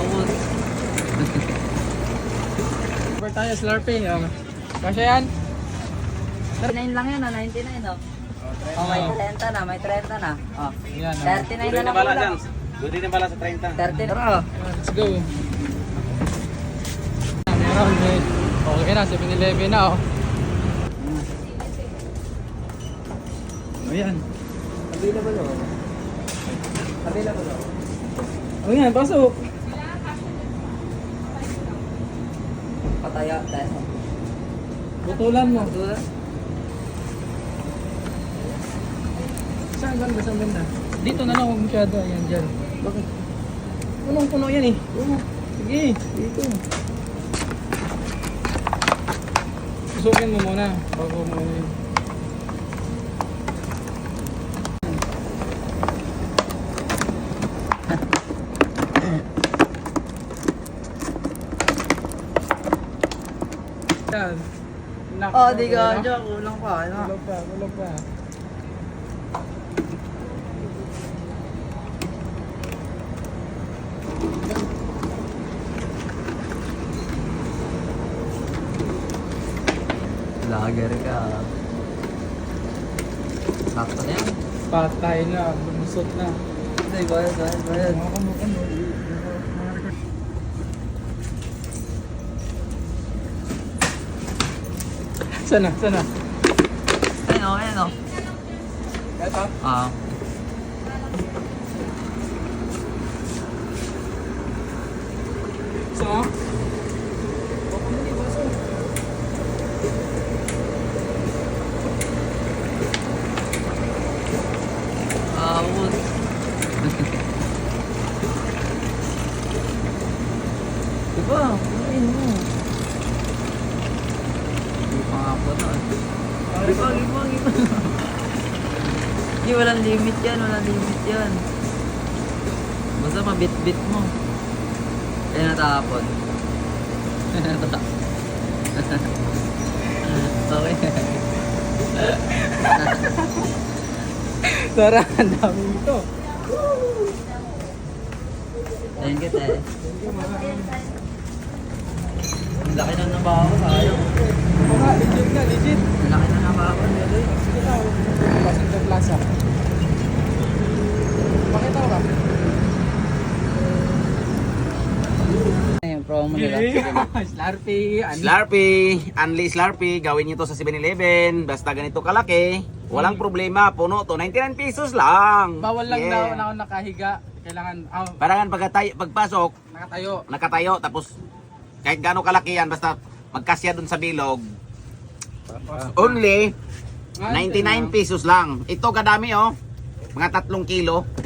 Paubos. Super tayo, Slurpee. Kasya yan? 99 lang yun, 99 oh. Oh, may 30 na, may 30 na. Oh. Yan. 39 na lang ulam. Pwede na pala sa 30. 30 na. Let's go. Meron, may okay na, 7-Eleven na oh. Ayan. Available o. Available o. Oh yan, pasok. Pataya tayo. Butulan mo. Tulad. Saan banda, saan banda? Dito na lang, huwag masyado. Ayan, dyan. Bakit? Punong-puno yan eh. Oo. Sige, dito. Susukin mo muna. Bago mo yun. Yan. Oh, di ka. Diyan, kulang pa. Ano? Kulog pa, kulog pa. Lager ka. Sakto na yan. Patay na, bumusot na. Ito, bayad. Sana, sana. Ayun. Ito. Ah. So? Paubos. Diba? Kumain mo. Hindi pa nga po na. Giba. Hindi, walang limit yan. Basta mabit-bit mo. Kaya natapon. Okay. Tara, ang dami ito. Thank you, te. Ang laki na nabaho, sayang. Mga, legit na, legit. Ang laki na nabaho, nilo. Sige na, Passenger Plaza. Pakita ko ka. Ayun, promo nila. Slurpee. Slurpee, Unli Slurpee, gawin nyo to sa 7-Eleven, basta ganito kalaki, walang problema, puno to, 99 pesos lang. Bawal lang Yeah. daw na ako nakahiga. Kailangan, Parangan pagpasok, nakatayo. nakatayo, tapos kahit gaano kalaki yan, basta magkasya dun sa bilog, only 99 pesos lang. Ito kadami oh, mga 3 kilo.